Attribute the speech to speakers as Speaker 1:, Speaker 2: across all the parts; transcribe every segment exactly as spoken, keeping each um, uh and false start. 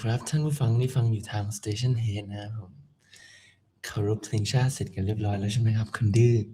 Speaker 1: ครับท่านผู้ฟังที่ฟังอยู่ทาง Station Head นะครับผมเคารพเพลงชาติเสร็จกันเรียบร้อยแล้วใช่ไหมครับคุณดื้อ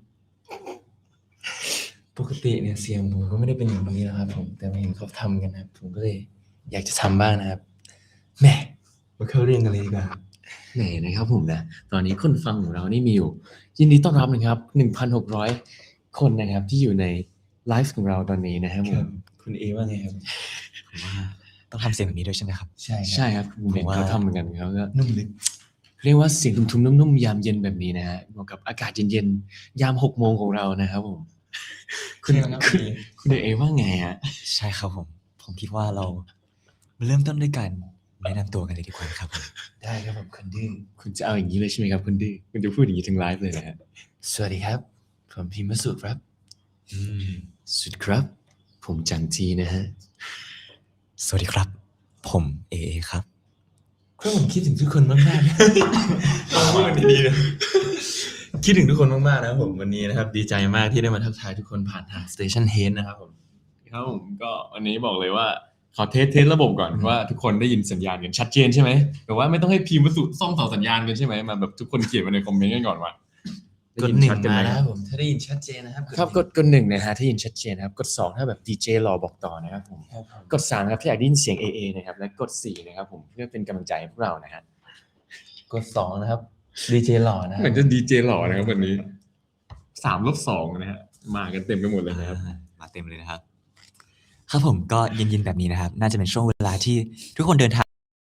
Speaker 1: ปกติเนี่ยเสียงผมก็ไม่ได้เป็นอย่างนี้นะครับผมแต่มาเห็นเขาทำกันนะครับผมก็เลยอยากจะทำบ้างนะครับแหม่มาเข้าเรื่องกันเลยดีกว่า
Speaker 2: ไหนนะครับผมนะตอนนี้คนฟังของเรานี่มีอยู่ยินดีต้อนรับนะครับ หนึ่งพันหกร้อย คนนะครับที่อยู่ในไลฟ์ของเราตอนนี้นะครับผม
Speaker 1: คุณเอว่าไงครับ
Speaker 3: ผมว่าต้องทำเสียงแบบนี้ด้วยใช่ไหมครับ
Speaker 1: ใช่
Speaker 2: ใช่ครับผมเห็นเขาทำเหมือนกันเขาก็
Speaker 1: นุ่มลึก
Speaker 2: เรียกว่าเสียงทุ้มๆนุ่มๆยามเย็นแบบนี้นะฮะเหมาะกับอากาศเย็นๆยามหกโมงของเรานะครับผมคุณคุณคุณเอว่าไงฮะ
Speaker 3: ใช่ครับผมผมคิดว่าเรามาเริ่มต้นด้วยการแนะนำตัวกันเลยดีกว่าครับผม
Speaker 1: ได้ครับผมคุณดื้อ
Speaker 2: คุณจะเอาอย่างนี้เลยใช่ไหมครับคุณดื้อคุณจะพูดอย่างนี้ทั้งไลฟ์เลยนะฮะ
Speaker 1: สวัสดีครับผมพิมพ์มสุครับ
Speaker 3: อืม
Speaker 2: สุดครับผมจังจีนะฮะ
Speaker 3: สวัสดีครับผมเอเอครับ
Speaker 1: ก็ผมคิดถึงทุกคนมากๆเอาพูดดีๆนะคิดถึงทุกคนมากๆนะครับผมวันนี้นะครับดีใจมากที่ได้มาทักทายทุกคนผ่านทาง Station Head นะครับผม
Speaker 2: ครับผมก็วันนี้บอกเลยว่าขอเทสเทสระบบก่อนว่าทุกคนได้ยินสัญญาณกันชัดเจนใช่ไหมแต่ว่าไม่ต้องให้พิมพ์วัสดุซ่อมต่อสัญญาณกันใช่ไหมมาแบบทุกคนเขียนมาในคอมเมนต์กันก่อนว่าก
Speaker 1: ดหนึ่งมานะครับผมถ้าได้ยินชัดเจนนะครับ
Speaker 2: ครับกดกดหนึ่งนะฮะถ้ายินชัดเจนนะครับกดสองถ้าแบบดีเจรอบอกต่อนะครับผมกดสามครับถ้าอยากได้ยินเสียง เอ เอ นะครับและกดสี่นะครับผมเพื่อเป็นกำลังใจให้พวกเรานะฮะ
Speaker 1: กดสองนะครับดีเจหล่อนะ
Speaker 2: เหมือนจะดีเจหล่อนะครับวันนี้สามลบสองนะฮะมากันเต็มไปหมดเลยนะครับ
Speaker 3: มาเต็มเลยนะครับครับผมก็เย็นๆแบบนี้นะครับน่าจะเป็นช่วงเวลาที่ทุกคนเดินทาง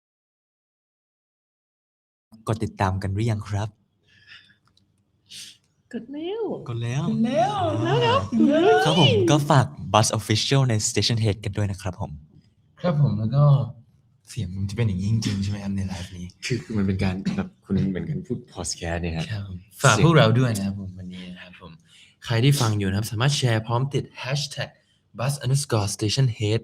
Speaker 3: กดติดตามกันหรือยังครับ
Speaker 2: กดแล้ว
Speaker 3: กดแล้ว
Speaker 1: กดแล้ว
Speaker 3: แล้วครับผมก็ฝาก Buzz Official ใน Station Head กันด้วยนะครับผม
Speaker 1: ครับผมแล้วก็เสียงมันจะเป็นอย่างนี้จริงๆใช่ไหมครับในไลฟ์นี้
Speaker 2: คือมันเป็นการแบบคุณเหมือนกันพูดพอดแคสต์เนี่ยครับ
Speaker 1: ฝากพวกเราด้วยนะครับผมวันนี้นะครับผมใครที่ฟังอยู่นะครับสามารถแชร์พร้อมติด hashtag bus underscore station head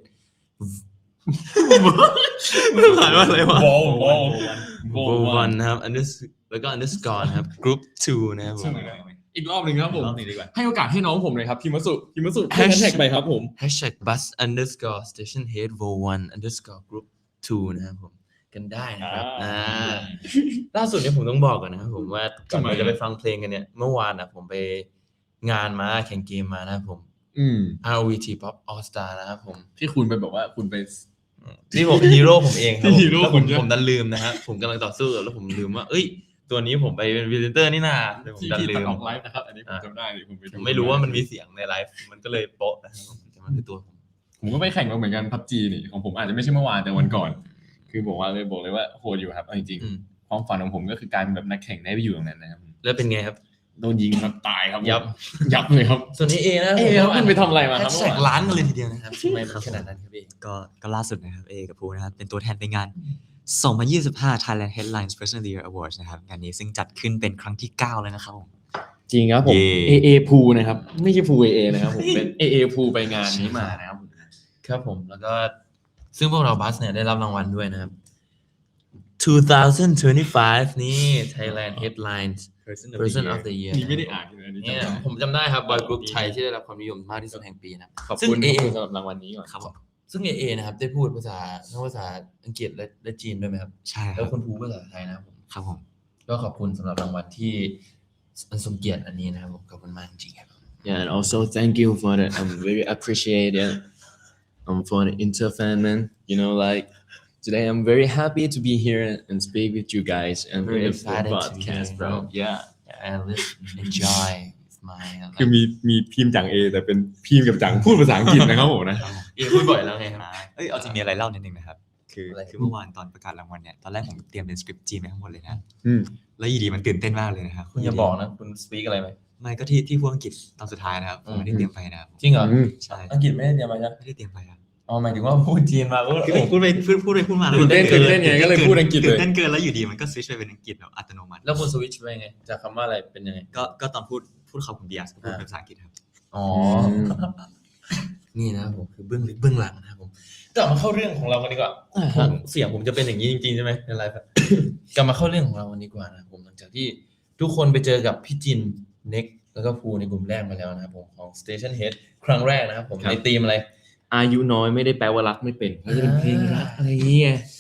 Speaker 1: ผ่านว่าอะไรวะ โว วันนะครับ แล้วก็ underscore นะครับ group ทูนะครับผม
Speaker 2: อีกรอบหนึ่งครับผม
Speaker 3: รอบนี้ดีกว่า
Speaker 2: ให้โอกาสให้น้องผมเลยครับพิมพ์มาสุพิมพ์มาสุแฮชแท็กไปครับผม
Speaker 1: hashtag bus underscore station head โว วัน underscore group ทูนะครับผมกันได้นะครับอ่าล่าสุดเนี่ยผมต้องบอกก่อนนะครับผมว่าก่อนเราจะไปฟังเพลงกันเนี่ยเมื่อวานนะผมไปงานมาแข่งเกมมานะครับผม
Speaker 2: อืม
Speaker 1: อาร์ วี ที Pop All Star นะครับผม
Speaker 2: ที่คุณไปบอกว่าคุณไป
Speaker 1: นี่ผมฮีโร่ผมเองครับ
Speaker 2: ฮีโร่
Speaker 1: ผม
Speaker 2: คุณ
Speaker 1: ผมดันลืมนะฮะผมกำลังต่อสู้แล้วผมลืมว่าเอ้ยตัวนี้ผมไปเป็นพรีเซนเตอร์นี่นาผมดันลื
Speaker 2: ตัด
Speaker 1: ม
Speaker 2: ออกไลฟ์นะครับอันนี้ผมจำได้เลยผมไปดู
Speaker 1: ผมไม่รู้ว่ามันมีเสียงในไลฟ์มันก็เลยโป๊ะนะครับแต่มันคือตัวผม
Speaker 2: ผมก็ไปแข่งมาเหมือนกัน พับจี นี่ของผมอาจจะไม่ใช่เมื่อวานแต่วันก่อนคือบอกว่าเลยบอกเลยว่าโหดอยู่ครับเอาจริงๆความฝันของผมก็คือการเป็นแบบนักแข่งได้ไปอยู่ตรงนั้นนะครับ
Speaker 1: แล้วเป็นไงครับ
Speaker 2: โดนยิงครับตายครับ
Speaker 1: ยับ
Speaker 2: ยับเลยครับ
Speaker 1: ส่วนนี้เอนะ
Speaker 2: เอครับคุณไปทำอะไรมาครับ
Speaker 1: แท็กล้านกันเลยทีเดียวนะครับทำไมขนาดนั้นครับเอ
Speaker 3: ก็ก็ล่าสุดนะครับเอกับภูนะครับเป็นตัวแทนไปงาน สองพันยี่สิบห้า Thailand Headlines Person of the Year Awards นะครับงานนี้ซึ่งจัดขึ้นเป็นครั้งที่เก้าแล้วนะครับผม
Speaker 2: จริงครับผม
Speaker 3: เย่
Speaker 2: เอ เอ พูนะครับไม่ใช่พู เอ เอ นะครับผมเป็น เอ เอ พูไปงานนี้มานะครับผม
Speaker 1: ครับผมแล้วก็ซึ่งพวกเราบัสเนี่ยได้รับรางวัลด้วยนะครับสองพันยี่สิบห้านี่ Thailand Headlines Person of the Year
Speaker 2: นี่ไม่ได้อ่านเลยอันนี้
Speaker 1: เนี่ย
Speaker 2: จำได้
Speaker 1: ผมจำได้ครับบอยกรุ๊ปไทยที่ได้รับความนิยมมากที่สุดแห่งปีนะครับ
Speaker 2: ขอบ
Speaker 1: ซึ่ง
Speaker 2: คุณ
Speaker 1: เอ
Speaker 2: ขอบคุณสำหรับรางวัลนี้ก่อน
Speaker 3: ครับผม
Speaker 1: ซึ่ง เอ เอ นะครับได้พูดภาษาทั้งภาษาอังกฤษและและจีนด้วยไหมครับ
Speaker 3: ใช่ค
Speaker 1: แล้
Speaker 3: รั
Speaker 1: ว
Speaker 3: บ
Speaker 1: คุณภูภาษาไทยนะครับผม
Speaker 3: ครับผม
Speaker 1: ก็ขอบคุณสำหรับรางวัลที่อันทรงเกียรติอันนี้นะครับผมขอบคุณมากจริงๆครับ
Speaker 2: Yeah, and also thank you for the I'm very appreciate it. Um, for the Inter fan man. You know, like today I'm very happy to be here and speak with you guys and
Speaker 1: Very
Speaker 2: with the
Speaker 1: excited to be
Speaker 2: podcast,
Speaker 1: here.
Speaker 2: bro. Yeah.
Speaker 1: I live enjoy with my
Speaker 2: คือมีมีพิมพ์จังเอแต่เป็นพิมพ์กับจังพูดภาษาอังกฤษนะครับผมนะ
Speaker 1: เอพูดบ่อยแล้วไงครับ
Speaker 3: เอ้ยเอาจริงมีอะไรเล่านิดนึงนะครับคือ
Speaker 1: อะไร
Speaker 3: คือเมื่อวานตอนประกาศรางวัลเนี่ยตอนแรกผมเตรียมเป็นสคริปต์จีนไปทั้งหมดเลยนะ
Speaker 2: อืม
Speaker 3: แล้วอยู่ดีมันตื่นเต้นมากเลยนะครับ
Speaker 1: คุณอย่าบอกนะคุณสปีกอะไรไหม
Speaker 3: ไม่ก็ที่ที่พูดอังกฤษตอนสุดท้ายนะครับผมไม่ได้เตรียมไปนะครับ
Speaker 1: จริงเหรอ
Speaker 2: อืม
Speaker 3: ใช่
Speaker 1: อังกฤษไม่ได้เตรียมมาใช่ไหม
Speaker 3: ไม่ได้เตรียมไปครับ
Speaker 1: อ๋อหมายถึงว่าพูดจีนมาก็
Speaker 3: คือพูดไปพูดพูดไปพูดมาแล้ว
Speaker 2: ตื่นเต้นตื่นเต้นไงก็เลยพูดอังกฤษเลย
Speaker 3: ตื่นเต้นเกินแล้วอยู่ดีมันก็สวิตช์ไปเป็นอังกฤษแบบอัตโนมัติ
Speaker 1: แล้วคุณสวิตช์ไปไงจากคำว่าอะไรเป็นยังไง
Speaker 3: ก็ก็ตอนพูดพูดคำคุณเบียร์ก็พูดเป็นภาษาอังกฤษครับ
Speaker 1: อ๋อ นี่นะครับผมคือเบื้องลึกเบื้องหลังนะครับผมกลับมาเข้าเรื่องของเรากันดีกว่าผมเสียงผมจะเป็นอย่างนี้จริงๆใช่ไหมในไลฟ์อะ กลับมาเข้าเรื่องของเรากันดีกว่านะครับผมหลังจากที่ทุกคนไปเจอกับพี่จินเน็กแล้วก็ภูในกลุ่มแรกมาแล้วนะครับผมของ Station Head ครั้งแรกนะครับผม
Speaker 2: ครับ
Speaker 1: ในธีมอะไร
Speaker 2: อายุน้อยไม่ได้แปลว่ารักไม่เป็นเขาจะเป็นเพลงรักอะไรเงี้ย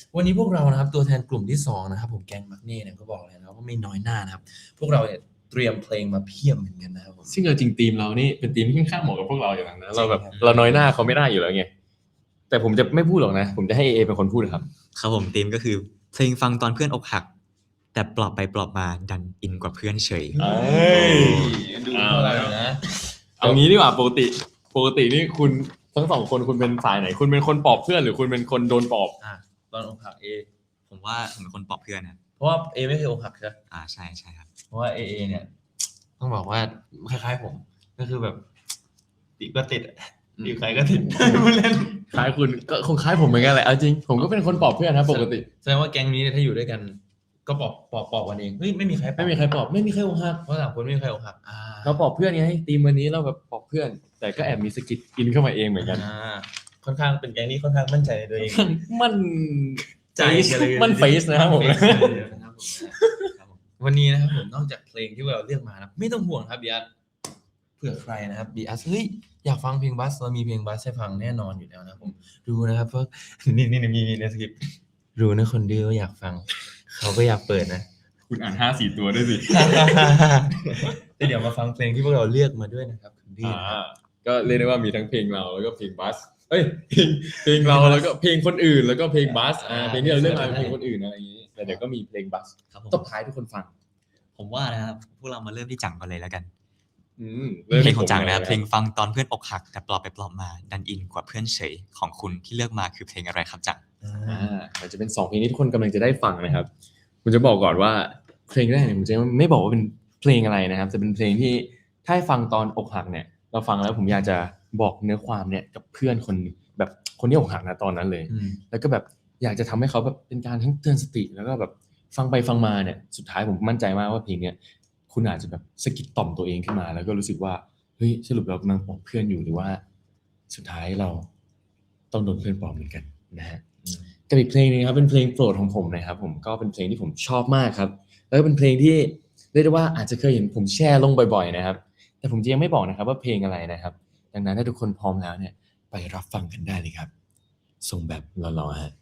Speaker 1: วันนี้พวกเรานะครับตัวแทนกลุ่มที่สองนะครับผมแกงมักเน่เนี่ยก็บอกเลยนะว่าไม่น้อยหน้านะครับพวกเราเนี่ยเตรียมเพลงมาเพียบเหมือนกันนะครับผม
Speaker 2: ซึ่งเอาจริงทีมเรานี่เป็นทีมที่ค่อนข้างเหมาะกับพวกเราอย่างนั้นนะเราแบบ
Speaker 1: จริงครับ
Speaker 2: เราน้อยหน้าเขาไม่ได้อยู่แล้วไงแต่ผมจะไม่พูดหรอกนะ ผมจะให้เอเป็นคนพูดครับ
Speaker 3: ครับผมธีมก็คือเพลงฟังตอนเพื่อนอกหัก แต่ปลอบไปปลอบมาดันอินกว่าเพื่อนเฉย
Speaker 2: เอ้ย
Speaker 1: ดูเท่าไหร่นะ
Speaker 2: เอางี้ดีกว่าปกติ ปกตินี่คุณทั้งสองคนคุณเป็นฝ่ายไหน คุณเป็นคนปลอบเพื่อนหรือคุณเป็นคนโดนปลอบ
Speaker 1: อ่ะตอนอกหักเอ
Speaker 3: ผมว่าผมเป็นคนปลอบเพื่อนนะ
Speaker 1: เพราะว่าเอไม่เคยอกหักใช่ไหม
Speaker 3: อ่าใช่ใช่ครับ
Speaker 1: เพราะว่าเอเอเนี่ยต้องบอกว่าคล้ายๆผมก็คือแบบติดก็ติดอะ
Speaker 2: อืม
Speaker 1: ติดใครก็ติด พูดเล่น
Speaker 2: คล้ายคุณก็คงคล้ายผมเหมือนกันแหละเอาจริงผมก็เป็นคนปลอบเพื่อนนะปกติ
Speaker 1: แสดงว่าแก๊งนี้เนี่ยถ้าอยู่ด้วยกัน ก็ปอบปอบปอบกันเองเฮ้ยไม่มีใครปอบ
Speaker 2: ไม่มีใครปลอบไม่มีใครอกหัก
Speaker 1: เพราะสามคนไม่มีใครอกหักอ่า
Speaker 2: เราปลอบเพื่อนไงทีมวันนี้เราแบบปลอบเพื่อน แต่ก็แอบมีสกิดกินเข้ามาเองเหมือนกัน
Speaker 1: อ่าค่อนข้างเป็นแก๊งที่ค่อนข้างมั่นใจในตัวเอง
Speaker 2: มัน
Speaker 1: ใจกันเลย
Speaker 2: มันเฟซนะครับผม
Speaker 1: นเฟซเลยนะครับผมนะครับผมวันนี้นะครับผมนอกจากเพลงที่เราเลือกมานะไม่ต้องห่วงครับบีอัสเผื่อใครนะครับบีอัสเฮ้ยอยากฟังเพลงบัสเรามีเพลงบัสให้ฟังแน่นอนอยู่แล้วนะครับผมดูนะครับเพราะ นี่นี่มีมีในสคริปต์รู้นะคนดื้อว่าอยากฟัง เขาก็อยากเปิดนะ
Speaker 2: คุณอ่านห้าสี่ตัวด้วยสิ
Speaker 1: แต่เดี๋ยวมาฟังเพลงที่พวกเราเลือกมาด้วยนะครับคนดื้อ
Speaker 2: อ่า
Speaker 1: นะครับ
Speaker 2: ก็เรียกได้ว่ามีทั้งเพลงเราแล้วก็เพลงบัสเอ้ยเพลงเพลงเราแล้วก็เพลงคนอื่นแล้วก็เพลงบัสอ่าเพลงที่เราเลือกมาเป็นเพลงคนอื่นอะไรอย่างนี้แต่เดี๋ยวก็มีเพลงบัส
Speaker 3: ครับผม
Speaker 2: ตบท้ายทุกคนฟัง
Speaker 3: ผมว่านะครับพวกเรามาเริ่มที่จังก่อนเลยแล้วกัน
Speaker 2: อืม
Speaker 3: เพลงของจังนะครับ
Speaker 2: ผม
Speaker 3: เพลงฟังตอนเพื่อนอกหัก แต่ปลอบไปปลอบมาดันอินกว่าเพื่อนเฉยของคุณที่เลือกมาคือเพลงอะไรครับจัง
Speaker 2: อ่ามันจะเป็นสองเพลงที่ทุกคนกำลังจะได้ฟังนะครับผมจะบอกก่อนว่าเพลงแรกเนี่ยผมจะไม่บอกว่าเป็นเพลงอะไรนะครับแต่เป็นเพลงที่ถ้าให้ฟังตอนอกหักเนี่ย เราฟังแล้วผมอยากจะบอกเนื้อความเนี่ยกับเพื่อนคนหนึ่งแบบคนที่อกหักนะตอนนั้นเลย
Speaker 1: อืม
Speaker 2: แล้วก็แบบอยากจะทำให้เขาแบบเป็นการทั้งเตือนสติ แล้วก็แบบฟังไปฟังมาเนี่ยสุดท้ายผมมั่นใจมากว่าเพลงเนี้ยคุณอาจจะแบบสะกิดต่อมตัวเองขึ้นมา แล้วก็รู้สึกว่าเฮ้ยสรุปเรากำลังปลอบเพื่อนอยู่หรือว่า สุดท้ายเราต้องโดนเพื่อนปลอบเหมือนกันนะฮะกับอีกเพลงนึงครับเป็นเพลงโปรดของผมนะครับผมก็เป็นเพลงที่ผมชอบมากครับ แล้วก็เป็นเพลงที่เรียกได้ว่าอาจจะเคยเห็นผมแชร์ลงบ่อยๆนะครับ แต่ผมจะยังไม่บอกนะครับว่าเพลงอะไรนะครับ ดังนั้นถ้าทุกคนพร้อมแล้วเนี่ยไปรับฟังกันได้เลยครับส่งแบบรอๆฮะ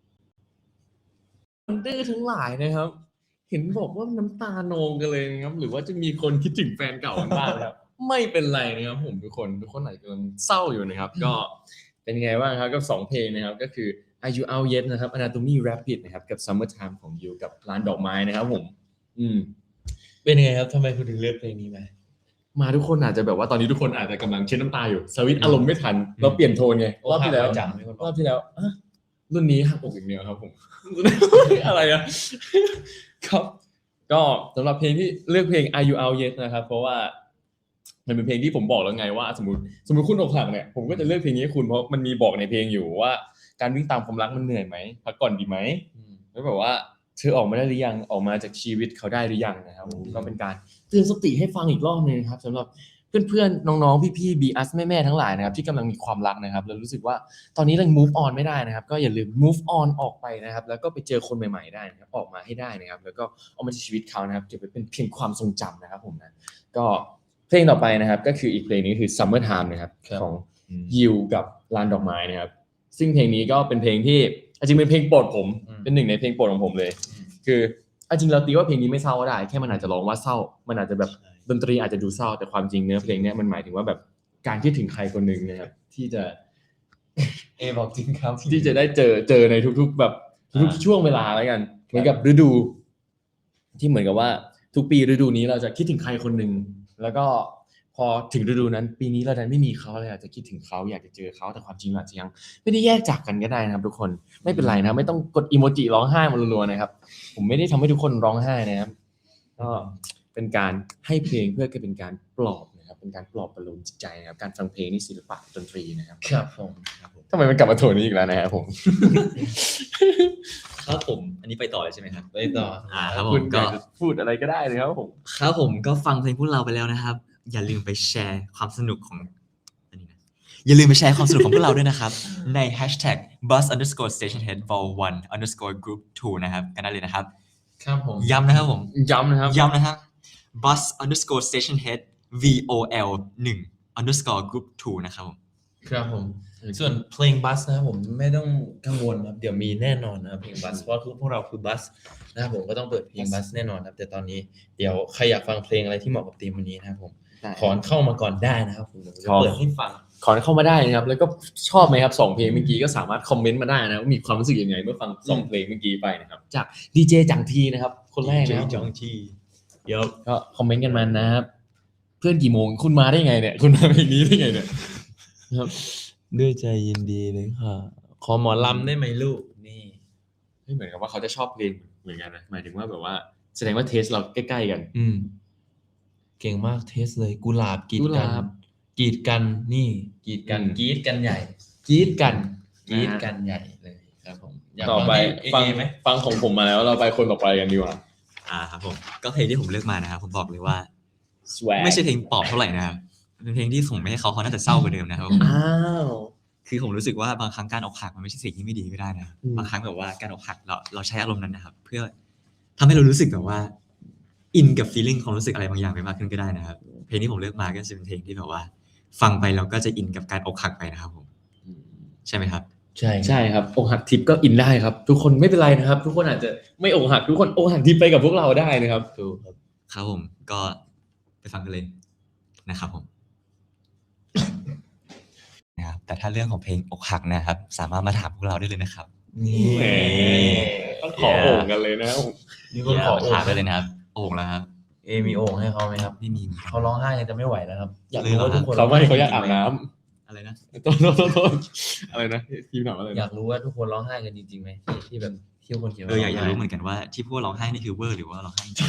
Speaker 2: คนดื้อทั้งหลายนะครับ เห็นบอกว่าน้ำตานองกันเลยนะครับ หรือว่าจะมีคนคิดถึงแฟนเก่ากันบ้างนะครับ ไม่เป็นไรนะครับผมทุกคนทุกคนอาจจะกำลังเศร้าอยู่นะครับ ก็เป็นไงบ้างครับกับสองเพลงนะครับ ก็คือ Are You Out Yet นะครับ Anatomy Rapid นะครับกับ Summertime ของยูกับร้านดอกไม้นะครับผม อืม
Speaker 1: เป็นยังไงครับทำไมคุณถึงเลือกเพลงนี้มา
Speaker 2: มาทุกคนอาจจะแบบว่าตอนนี้ทุกคนอาจจะกำลังเช็ดน้ำตาอยู่สวิตช์อารมณ์ไม่ทัน เราเปลี่ยนโทนไงรอบที่แล้ว
Speaker 1: จังไม่คนบ
Speaker 2: ร
Speaker 1: อ
Speaker 2: อก บที่แล้วอ่ะรุ่นนี้หักอกอย่างเดียวครับผม อะไรอะครับ ก็สำหรับเพลงที่เลือกเพลง Are You Out Yet นะครับ เพราะว่ามันเป็นเพลงที่ผมบอกแล้วไงว่า สมมติสมมติคุณอกหักเนี่ยผมก็จะเลือกเพลงนี้ให้คุณเพราะมันมีบอกในเพลงอยู่ว่าการวิ่งตามความรักมันเหนื่อยไหมพักก่อนดีไหม
Speaker 1: อืม
Speaker 2: แล้วแบบว่าเธอออกมาได้หรือยังออกมาจากชีวิตเขาได้หรือยังนะครับผมก็เป็นการเตือนสติให้ฟังอีกรอบนึงนะครับสำหรับเพื่อนๆน้องๆพี่ๆบีอัสแม่ๆทั้งหลายนะครับที่กำลังมีความรักนะครับแล้วรู้สึกว่าตอนนี้เรา move on ไม่ได้นะครับก็อย่าลืม move on ออกไปนะครับแล้วก็ไปเจอคนใหม่ๆได้นะครับออกมาให้ได้นะครับแล้วก็เอามาจากชีวิตเขานะครับเก็บไว้เป็นเพียงความทรงจำนะครับผมนะก็เพลงต่อไปนะครับก็คืออีกเพลงนี้คือ Summer Time นะครับของยิวกับลานดอกไม้นะครับซึ่งเพลงนี้ก็เป็นเพลงที่จริงเป็นเพลงโปรดผมเป็นหนึ่งในเพลงโปรดของผมเลย คือเอาจริงเราตีว่าเพลงนี้ไม่เศร้าก็ได้แค่มันอาจจะร้องว่าเศร้ามันอาจจะแบบดนตรีอาจจะดูเศร้าแต่ความจริงเนื้อเพลงเนี้ยมันหมายถึงว่าแบบการคิดถึงใครคนหนึ่งนะครับที่จะ
Speaker 1: เอบอกจริงครับ
Speaker 2: ที่จะได้เจอเจอในทุกๆแบบทุกๆช่วงเวลาแล้วกันเหมือนกับฤดู ที่เหมือนกับว่าทุกปีฤดูนี้เราจะคิดถึงใครคนหนึ่งแล้วก็พอถึงฤดูนั้น ปีนี้เราดันไม่มีเขาเลยอาจจะคิดถึงเขาอยากจะเจอเขาแต่ความจริงอาจจะยังไม่ได้แยกจากกันก็ได้นะครับทุกคนไม่เป็นไรนะไม่ต้องกดอีโมจิร้องไห้มารัวๆนะครับ ผมไม่ได้ทำให้ทุกคนร้องไห้นะครับก็เป็นการให้เพลงเพื่อเป็นการปลอบนะครับเป็นการปลอบประโลมจิตใจนะครับการฟังเพลงนี่ศิลปะดนตรีนะครับ
Speaker 1: ครับผม
Speaker 2: ทำไมมันกลับมาโทนนี้อีกแล้วนะครับผม
Speaker 3: ครับผมอันนี้ไปต่อเลยใช่ไหมครับ
Speaker 1: ไปต่อ
Speaker 3: อ่าครับผ
Speaker 2: คุ
Speaker 3: ม
Speaker 2: ณอ
Speaker 3: ก็
Speaker 2: ยากจะพูดอะไรก็ได้เลยครับผม
Speaker 3: ครับผมก็ฟังเพลงพวกเราไปแล้วนะครับ อย่าลืมไปแชร์ความสนุกของอันนี้นะอย่าลืมไปแชร์ความสนุกของพวกเราด้วยนะครับ ใน hashtag bus underscore stationhead vol one underscore group two นะครับกันได้เลยนะครับ
Speaker 1: ครับผม
Speaker 3: ย้ำนะครับผม
Speaker 2: ย้ำนะครับ
Speaker 3: ย้ำนะครับ bus underscore stationhead vol หนึ่ง underscore group two นะครับผม
Speaker 1: ครับผมส่วนเพลงบัสนะครับผมไม่ต้องกังวลครับเดี๋ยวมีแน่นอนนะครับเพลงบัสเพราะคือพวกเราคือบัสนะครับผมก็ต้องเปิดเพลงบัสแน่นอนครับแต่ตอนนี้เดี๋ยวใครอยากฟังเพลงอะไรที่เหมาะกับธีมวันนี้นะครับผมขอเข้ามาก่อนได้นะครับผมเดี๋ยวจะเปิดให้ฟัง
Speaker 2: ขอเข้ามาได้นะครับแล้วก็ชอบไหมครับสองเพลงเมื่อกี้ก็สามารถคอมเมนต์มาได้นะว่ามีความรู้สึกยังไงเมื่อฟังสองเพลงเมื่อกี้ไปนะครับจากดีเจจังทีนะครับคนแรกนะครับ
Speaker 1: จองจีเดี๋ยว
Speaker 2: ก็คอมเมนต์กันมานะครับเพื่อนกี่โมงคุณมาได้ไงเนี่ยคุณมาเพลงนี้ได้ไงเนี่ยครับ
Speaker 1: ด้วยใจยินดีเลยค่ะขอหมอลำได้ไหมลูกนี่
Speaker 2: ไม่เหมือนกับว่าเขาจะชอบเพลงเหมือนกันนะหมายถึงว่าแบบว่าแสดงว่าเทสเราใกล้ๆกัน
Speaker 1: อืมเก่งมากเทสเลยกุหลาบกีด
Speaker 2: กุห
Speaker 1: กัน
Speaker 2: ลาบ
Speaker 1: กีดกันนี่กีดกัน
Speaker 2: อืม
Speaker 1: กีดกันใหญ่
Speaker 2: กรี๊ดกัน
Speaker 1: กีด
Speaker 2: นะฮะ
Speaker 1: กันใหญ่เลยครับผมอยาก
Speaker 2: ต่อ
Speaker 1: ฟัง
Speaker 2: ไป
Speaker 1: เอ
Speaker 2: ฟัง
Speaker 1: เอไหม
Speaker 2: ฟังของผมมาแล้วเราไปคนต่อไปกันดีกว่า
Speaker 3: อ่าครับผมก็เพลงที่ผมเลือกมานะครับผมบอกเลยว่า
Speaker 2: Swag
Speaker 3: ไม่ใช่เพลงปลอบเท่าไหร่นะครับเป็นเพลงที่ผมไม่ให้เขาเขาน่าจะเศร้ากว่าเดิมนะครับผม
Speaker 2: อ้าว
Speaker 3: คือผมรู้สึกว่าบางครั้งการอกหักมันไม่ใช่สิ่งที่ไม่ดีก็ได้นะ
Speaker 2: อืม
Speaker 3: บางครั้งแบบว่าการอกหักเราเราใช้อารมณ์นั้นนะครับ เพื่อทำให้เรารู้สึกแบบว่าอินกับฟีลลิ่งความรู้สึกอะไรบางอย่างไปมากขึ้นก็ได้นะครับเพลงที่ผมเลือกมาก็จะเป็นเพลงที่แบบว่า ฟังไปเราก็จะอินกับการอกหักไปนะครับผมใช่ไหมครับ
Speaker 1: ใช่
Speaker 2: ใช่ครับอกหักทิปก็อินได้ครับ ทุกคนไม่เป็นไรนะครับ ทุกคนอาจจะไม่อกหักทุกคนอกหักทิปไปกับพวกเราได้นะครับ
Speaker 1: ถูกครับ
Speaker 3: ครับผมก็ไปฟังกันเลยนะครับผม นะครับแต่ถ้าเรื่องของเพลงอกหักนะครับ สามารถมาถามพวกเราได้เลยนะครับ
Speaker 1: นี่
Speaker 2: แหม ต้องขอโอ่งกันเลยนะ
Speaker 1: มีคนขอ
Speaker 3: มา
Speaker 1: โอ่
Speaker 3: ถาม
Speaker 1: ง
Speaker 3: ได้เลยนะครับโอ่งแล้วครับ
Speaker 1: เอมีโอ่งให้เขาไหมครับ
Speaker 3: ไม่มี
Speaker 1: เขาร้องไห้กันจะไม่ไหวแล้วครับ
Speaker 2: อยาก
Speaker 1: รู้ว่าทุกคน
Speaker 2: เขาไม่เขาอยากอาบน้ำ
Speaker 3: อะไรนะ
Speaker 2: โทษโทษโทษโทษอะไรนะทีมถามอะไร
Speaker 1: อ
Speaker 2: นะ
Speaker 1: ยากรู้ว่าทุกคนร้องไห้กันจริงๆไหมที่ที่แบบที่คนเขียน
Speaker 3: เอ
Speaker 1: ว่า
Speaker 3: ออยากอยากรู้เหมื
Speaker 1: ร้ง
Speaker 3: อนกันว่าที่พวกร้องไห้นี่คือเวอร์หรือว่าร้องไห้จริง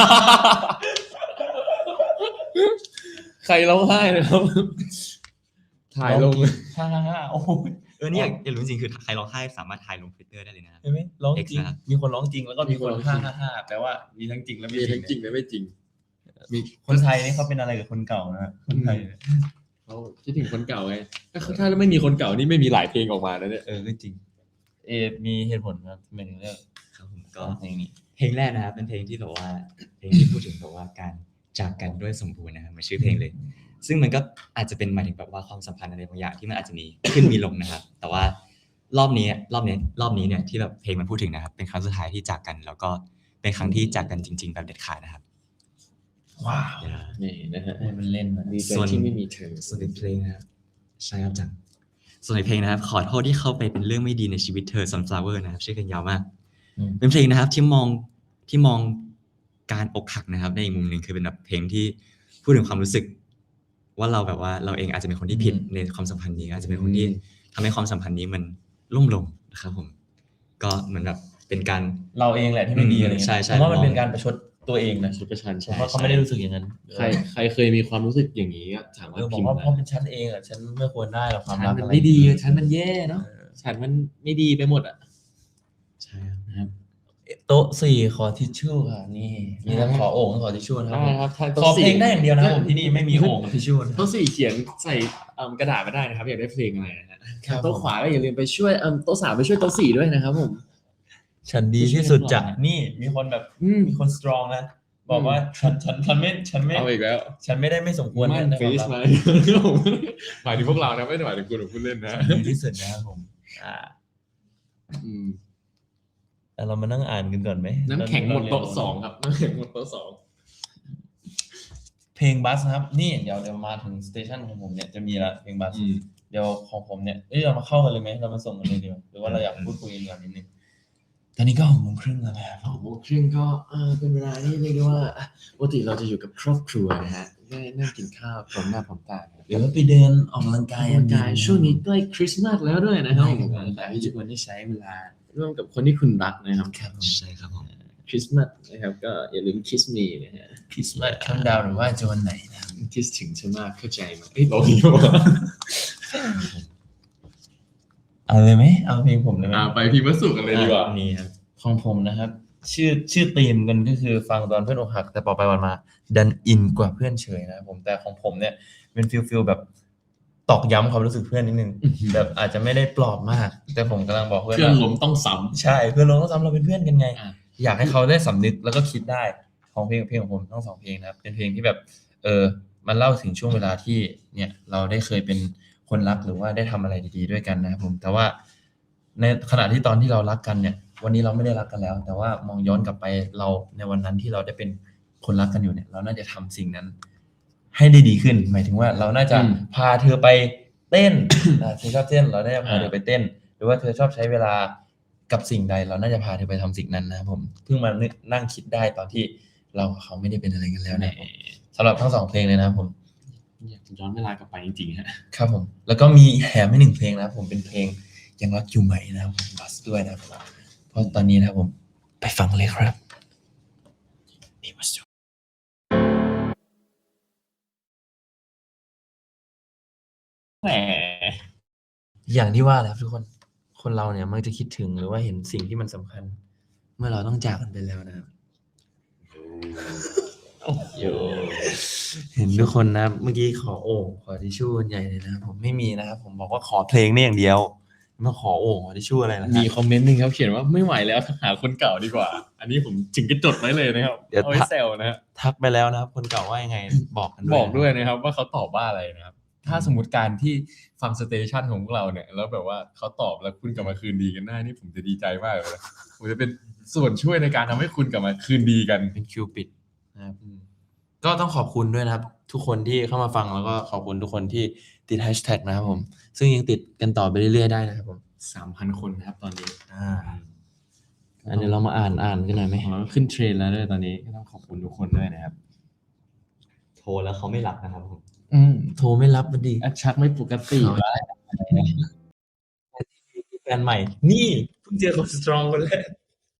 Speaker 2: ใครร้องไห้นะครับ ถ่ายลง
Speaker 1: ฮ่าฮ่าฮ่าโอ้ย
Speaker 3: เออเนี่ยอยากรู้จริงๆคือใครร้องไห้สามารถถ่ายลงทวิตเตอร์ได้เลยนะครับ
Speaker 1: เห็นไหมร้องจ
Speaker 3: X
Speaker 1: ริง
Speaker 3: นะครับ
Speaker 1: มีคนร้องจริงแล้วก็มีคน
Speaker 2: มีคนร้องจริ
Speaker 1: ฮ่าง ฮ่าฮ่าแปลว่ามีทั้งจริงและไม่
Speaker 2: มี
Speaker 1: จริ
Speaker 2: ทั้
Speaker 1: ง
Speaker 2: งจริงและไม่จริง มี
Speaker 1: คนไทยนี่เขาเป็นอะไรกับคนเก่านะคนไทยเนี่ย
Speaker 2: เขาคิดถึงคนเก่าไงถ้าถ้าไม่มีคนเก่านี่ไม่มีหลายเพลงออกมาแล้วเนี่ย
Speaker 1: เออก็จริง เอมีเหตุผลครับทำไมถึงเลือก
Speaker 3: ครับผม
Speaker 1: ก็
Speaker 3: ก็
Speaker 1: เพลงนี้
Speaker 3: เพลงแรกนะครับเป็นเพลงที่แบบว่าเพลงที่พูดถึงแบบว่าการจากกันด้วยสมบูรณ์นะครับเหมันชื่อเพลงเลย ซึ่งมันก็อาจจะเป็นหมายถึงแบบว่าความสัมพันธ์อะไรบางอย่างที่มันอาจจะมีขึ้นมีลงนะครับ แต่ว่ารอบนี้รอบนี้รอบนี้เนี่ยที่แบบเพลงมันพูดถึงนะครับ เป็นครั้งสุดท้ายที่จากกัน แล้วก็เป็นครั้งที่จากกันจริง ๆ แบบเด็ดขาดนะครับ
Speaker 1: ว้าว
Speaker 2: นี่นะฮะ
Speaker 1: พูดเป็นเล่นนะ
Speaker 2: ดีใจ
Speaker 3: ส่วน
Speaker 2: ที่ไม่มีเธอ
Speaker 3: ส่วนในเพลงนะครับใช่ครับจังส่วนในเพลงนะครับ ขอโทษที่เข้าไปเป็นเรื่องไม่ดีในชีวิตเธอ Sunflower นะครับชื่อเพลงยาวมาก
Speaker 1: อืม
Speaker 3: เป็นเพลงนะครับที่มองที่มองการอกหักนะครับในอีกมุมหนึ่งคือเป็นแบบเพลงที่พูดถึงความรู้สึก ว่าเราแบบว่าเราเองอาจจะเป็นคนที่ผิดในความสัมพันธ์นี้อาจจะเป็นคนที่ทำให้ความสัมพันธ์นี้มันล่มลงนะครับผมก็เหมือนแบบเป็นการ
Speaker 1: เราเองแหละที่ไม่ดีอะไรเงี้ย
Speaker 3: ใช่ใช่
Speaker 1: ผมว่ามันเป็นการประชดตัวเองนะ
Speaker 2: ชุดประชัน
Speaker 1: ผม
Speaker 2: ใช่
Speaker 1: ว่าเขาไม่ได้รู้สึกอย่างนั้น
Speaker 2: ใครใครเคยมีความรู้สึกอย่างนี้ก็สามาร
Speaker 1: เอ
Speaker 2: ถ
Speaker 1: อบอก
Speaker 2: พิมพ์
Speaker 1: ว่า
Speaker 2: มา
Speaker 1: เพราะเป็นฉันเองอ่ะฉันไม่ควรได้หรอกความ
Speaker 2: ฉัน
Speaker 1: รัก
Speaker 2: มัน
Speaker 1: อะไร
Speaker 2: ไม่ดีฉันมันแย่เนาะฉันมันไม่ดีไปหมดอ่ะ
Speaker 3: ใช่ครับ
Speaker 2: นะครับ
Speaker 1: โต๊ะสี่ขอทิชชู่ค่ะนี่มีทั้งขอโอ่งทั้งขอทิชชู่นะครับ
Speaker 2: ได้ครับถ้า
Speaker 1: ขอเพลงได้อย่างเดียวนะครับผมที่นี่ไม่มีโอ่งกับทิชชู่นะค
Speaker 2: โต๊ะ
Speaker 1: รับ
Speaker 2: สี่เขียนใส่เอิ่มกระดาษมาได้นะครับ อยากได้เพลงอะไรนะฮะ
Speaker 1: ครับ
Speaker 2: โต๊ะขวาก็อย่าลืมไปช่วยเอิ่มโต๊ะสามไปช่วยโต๊ะสี่ด้วยนะครับผม
Speaker 1: ฉันดีที่สุดจะนี่มีคนแบบ
Speaker 2: อืม
Speaker 1: มีคนสตรองนะบอกว่าฉันฉันฉันไม่ฉันไม่
Speaker 2: เอาอีกแล้ว
Speaker 1: ฉันไม่ได้ไม่สมควร
Speaker 2: มั่น
Speaker 1: นะ
Speaker 2: เฟซ
Speaker 1: ค
Speaker 2: ไหม
Speaker 1: รับ
Speaker 2: หมายถึงพวกเรานะไม่ได้หมายถึงคุณหรือคุณเล่นนะ
Speaker 1: ฉันดีที่สุดนะครับผมอ่า
Speaker 2: อืม
Speaker 1: แต่เรามานั่งอ่านกันก่อนไหม
Speaker 2: น้ำแข็งหมดโต๊ะสองครับน้ำแข็งหมดโต๊ะสอง
Speaker 1: เพลงบัสนะครับนี่เดี๋ยวเดี๋ยวมาถึงสเตชันของผมเนี่ยจะมีละเพลงบัส
Speaker 2: อืม
Speaker 1: เดี๋ยวของผมเนี่ยเอ้ยเรามาเข้ากันเลยไหมเรามาส่งกันเลยดีกว่าหรือว่าเราอยากพูดคุยกันก่อนนิดนึงตอนนี้ก็หกโมงครึ่งแล้วนะครับ
Speaker 2: สองโมงครึ่งก็เออเป็นเวลาที่เรียกได้ว่าอ่ะปกติเราจะอยู่กับครอบครัวนะฮะได้นั่งกินข้าวพร้อมหน้าพร้อมตานะ
Speaker 1: หรือว่าไปเดินออกกำลังกาย
Speaker 2: กำลังกายช่วงนี้ใกล้คริสต์มาสแล้วด้วยนะครับ
Speaker 1: ให้
Speaker 2: ผม
Speaker 1: กำลังกายที่ทุกคนได้ใช้เวลา
Speaker 2: ร่วมกับคนที่คุณรักนะครับ
Speaker 1: ครับผม
Speaker 3: ใช่ครับผม
Speaker 2: คริสต์มาสนะครับก็อย่าลืมคิสมีนะฮะ
Speaker 1: คริสต์มาสคัมดาวหรือว่าจะวันไหนนะครับ
Speaker 2: คิสถึงฉันมากเข้าใจไหมเอ้ยโอ้ย
Speaker 1: เอาเลยไหมเอาเพลงผมเลยไหม
Speaker 2: อ่าไปพิมพ์วัสดุกันเลยดีกว่า
Speaker 1: อ่ะนี่ครับของผมนะครับ ชื่อชื่อธีมกันก็คือฟังตอนเพื่อนอกหัก แต่พอไปวันมาดันอินกว่าเพื่อนเฉยนะครับผมแต่ของผมเนี่ยเป็นฟิลฟิลแบบตอกย้ำความรู้สึกเพื่อนนิดนึง
Speaker 2: อื้อหือ
Speaker 1: แบบอาจจะไม่ได้ปลอบมาก แต่ผมกำลังบอกเพื่อน
Speaker 2: เพื่อน
Speaker 1: ว่า
Speaker 2: ล้มต้องซ้
Speaker 1: ใช่เพื่อนเราต้องซ้ำเราเป็นเพื่อนกันไง
Speaker 2: อ่ะ
Speaker 1: อยากให้เขาได้สำนึกแล้วก็คิดได้ของเพลงเพลงของผมทั้งสองเพลงนะครับ เป็นเพลงที่แบบ เออมันเล่าถึงช่วงเวลาที่เนี่ย เราได้เคยเป็นคนรักหรือว่าได้ทำอะไรดีๆด้วยกันนะครับผมแต่ว่าในขณะที่ตอนที่เรารักกันเนี่ย วันนี้เราไม่ได้รักกันแล้ว แต่ว่ามองย้อนกลับไปเราในวันนั้นที่เราได้เป็นคนรักกันอยู่เนี่ย เราน่าจะทำสิ่งนั้น ให้ได้ดีขึ้น หมายถึงว่าเราน่าจะ
Speaker 2: อืม
Speaker 1: พาเธอไปเต้น อ่าเธอชอบเต้น เราได้พาเธอไปเต้น หรือว่าเธอชอบใช้เวลากับสิ่งใด เราน่าจะพาเธอไปทำสิ่งนั้นนะครับผมเพิ่งมานึกนั่งคิดได้ตอนที่เรากับเขาไม่ได้เป็นอะไรกันแล้ว
Speaker 2: แหม
Speaker 1: นะครับผมสำหรับทั้งสองเพลงเลยนะครับผม
Speaker 2: อยากจะย้อนเวลากลับไปจริงๆฮะ
Speaker 1: ครับผม แล้วก็มีแถมให้หนึ่งเพลงนะครับผมเป็นเพลงยังรักอยู่ไหมนะครับผมบัสด้วยนะครับผมเพราะตอนนี้นะครับผมไปฟังเลยครับนี่มาสุด
Speaker 2: แหม
Speaker 1: อย่างที่ว่าแหละครับทุกคน คนเราเนี่ยมักจะคิดถึงหรือว่าเห็นสิ่งที่มันสำคัญ เมื่อเราต้องจากกันไปแล้วนะครับ
Speaker 2: โย
Speaker 1: เห็นทุกคนนะครับเมื่อกี้ขอโอ่งขอทิชชู่กันใหญ่เลยนะครับผมไม่มีนะครับผมบอกว่าขอเพลงนี่อย่างเดียวมาขอโอ่งขอทิชชู่อะไรนะค
Speaker 2: มี
Speaker 1: รับ
Speaker 2: คอมเมนต์หนึ่งครับเขียนว่าไม่ไหวแล้วหาคนเก่าดีกว่า อันนี้ผมจึงจะจดไว้เลยนะครับ
Speaker 1: เดี๋ยว
Speaker 2: เอาไว้แซวนะฮะ
Speaker 1: ทักไปแล้วนะครับ คนเก่าว่ายังไงบอกกันด้วย
Speaker 2: บอกด้วยนะครับว่าเขาตอบว่าอะไรนะครับ ถ้าสมมติการที่ฟังสเตชันของพวกเราเนี่ยแล้วแบบว่าเขาตอบแล้วคุณกลับมาคืนดีกันได้นี่ผมจะดีใจมากเลยนะผมจะเป็นส่วนช่วยในการทำให้คุณกลับมาคืนดีกัน
Speaker 1: เป็นคิวปิดนะครับก็ต้องขอบคุณด้วยนะครับ ทุกคนที่เข้ามาฟังแล้วก็ขอบคุณทุกคนที่ติดแฮชแท็กนะครับผม ซึ่งยังติดกันต่อไปเรื่อยๆได้นะครับผม
Speaker 2: สามพันคนนะครับตอนนี้
Speaker 1: อ่าอันนี้เรามาอ่านอ่านกันหน่อยไหม
Speaker 2: ของเราขึ้นเทรนด์แล้วด้วยตอนนี้ก็ต้องขอบคุณทุกคนด้วยนะครับ
Speaker 3: โทรแล้วเขาไม่รับนะครับผม
Speaker 2: อืม
Speaker 1: โทรไม่รับมันดี
Speaker 2: แอดชักไม่ปกติ
Speaker 1: เอา แฟนใหม่ นี่เพิ่งเจอคนสตรองคนแรก